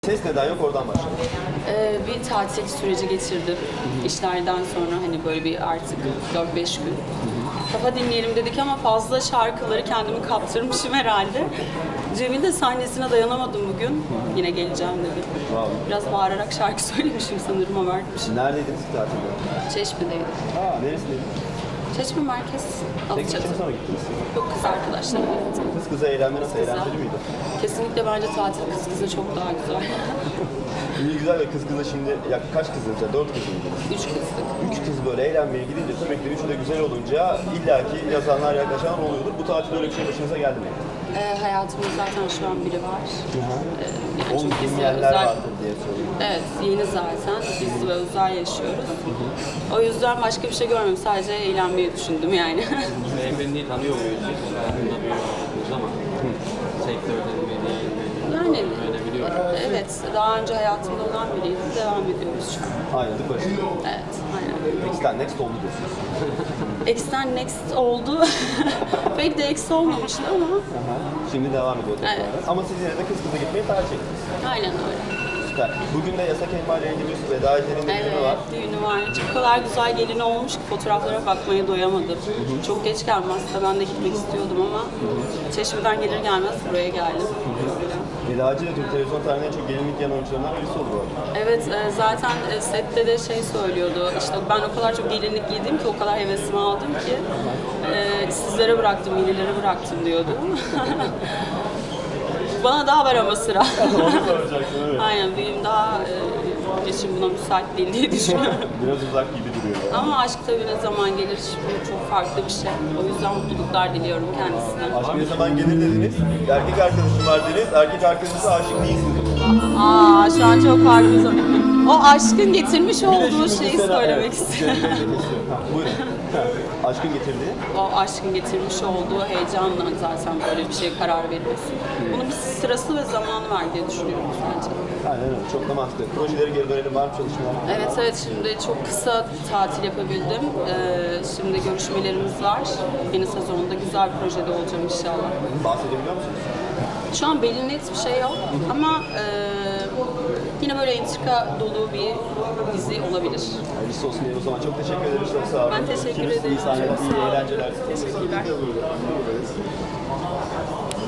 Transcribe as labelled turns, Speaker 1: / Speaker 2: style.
Speaker 1: Ses neden yok oradan başlayalım.
Speaker 2: Bir tatil süreci geçirdim. İşlerden sonra hani böyle bir artık 4-5 gün. Kafa dinleyelim dedik ama fazla şarkıları kendimi kaptırmışım herhalde. Cem'in de sahnesine dayanamadım bugün. Yine geleceğim dedi.
Speaker 1: Wow.
Speaker 2: Biraz bağırarak şarkı söylemişim sanırım, ama vermişim.
Speaker 1: Neredeydiniz ki tatilde?
Speaker 2: Çeşme'deydim.
Speaker 1: Neresindeydiniz?
Speaker 2: Çeşme merkez,
Speaker 1: Tek
Speaker 2: Alaçatı.
Speaker 1: başına mı gittiniz?
Speaker 2: Yok, kız arkadaşlarımla gittim.
Speaker 1: Kız kıza eğlenme nasıl?
Speaker 2: Güzel.
Speaker 1: Eğlenceli miydi?
Speaker 2: Kesinlikle bence tatil kız kıza çok daha güzel.
Speaker 1: İyi güzel ve kız kıza şimdi kaç kızınız ya? 4 kız mıydınız?
Speaker 2: 3 kızdık.
Speaker 1: 3 kız böyle eğlenmeye gidince sürekli üçü de güzel olunca illaki yazanlar yaklaşan oluyordur. Bu tatilde öyle bir şey başınıza geldi mi?
Speaker 2: Hayatımda zaten şu an biri var. Yani
Speaker 1: Onu
Speaker 2: çok
Speaker 1: bilmeyenler vardır diye söylüyorum.
Speaker 2: Evet, yeni zaten. Biz ve özel yaşıyoruz. O yüzden başka bir şey görmedim. Sadece eğlenmeyi düşündüm yani.
Speaker 3: Beyefendiyi tanıyor muyuz biz? Hayatında bir yolculuğumuz ama sektörde mi değil mi?
Speaker 2: Yani
Speaker 3: Öyle biliyorum.
Speaker 2: evet, daha önce hayatımda olan biriydi. Devam ediyoruz şu an.
Speaker 1: Ayrıldık başında.
Speaker 2: Evet, aynen.
Speaker 1: Next'ten next oldu diyorsunuz.
Speaker 2: X'ten next oldu. Pek de X olmamıştı ama
Speaker 1: Şimdi devam ediyor tekrar.
Speaker 2: Evet.
Speaker 1: Ama siz yine de kız kıza gitmeyi tercih ettiniz.
Speaker 2: aynen öyle.
Speaker 1: Süper. Bugün de Yasak Elma ile ilgili Veda Ece'nin de düğünü var.
Speaker 2: Evet, düğünü var. Çok kadar güzel gelin olmuş ki fotoğraflara bakmaya doyamadım. Çok geç gelmezse ben de gitmek istiyordum ama Çeşme'den gelir gelmez buraya geldim.
Speaker 1: Veda Ece de Türk televizyon tarihinin en çok gelinlik yan oyuncularından birisi oldu bu arada.
Speaker 2: Evet, zaten sette de şey söylüyordu, işte ben o kadar çok gelinlik giydim ki, o kadar hevesimi aldım ki sizlere bıraktım, yenilere bıraktım diyordu. Bana daha var ama sıra.
Speaker 1: Onu soracaktım, evet.
Speaker 2: Aynen, benim daha geçim buna müsait değil diye düşünüyorum.
Speaker 1: Biraz uzak gibi duruyor. Yani.
Speaker 2: Ama aşk tabii ne zaman gelir, bu çok farklı bir şey. O yüzden mutluluklar diliyorum kendisine.
Speaker 1: Aşk ne zaman gelir dediniz, erkek arkadaşım var dediniz, erkek arkadaşınıza aşık değilsiniz.
Speaker 2: Şu an çok farklı bir zaman. O aşkın getirmiş olduğu şeyi söylemek istiyorum.
Speaker 1: Buyurun. Aşkın getirdiği.
Speaker 2: O aşkın getirmiş olduğu heyecanla zaten böyle bir şeye karar veriyorsun. Bunun bir sırası ve zamanı var diye düşünüyorum bence.
Speaker 1: Aynen öyle, çok da mantıklı. Projeleri geri dönelim, var mı çalışmalar?
Speaker 2: Evet, şimdi çok kısa tatil yapabildim. Şimdi görüşmelerimiz var. Yeni sezonda güzel bir projede olacağım inşallah.
Speaker 1: Bahsedebiliyor musunuz?
Speaker 2: Şu an belli net bir şey yok ama yine böyle entrika dolu bir dizi olabilir.
Speaker 1: Hayırlısı olsun diye o zaman çok teşekkür ederiz, çok sağ olun.
Speaker 2: Ben teşekkür
Speaker 1: Görüşürüz.
Speaker 2: ederim.
Speaker 1: İyi sahneler,
Speaker 2: Çok
Speaker 1: iyi
Speaker 2: sağ olun.
Speaker 1: eğlenceler.
Speaker 2: Teşekkürler.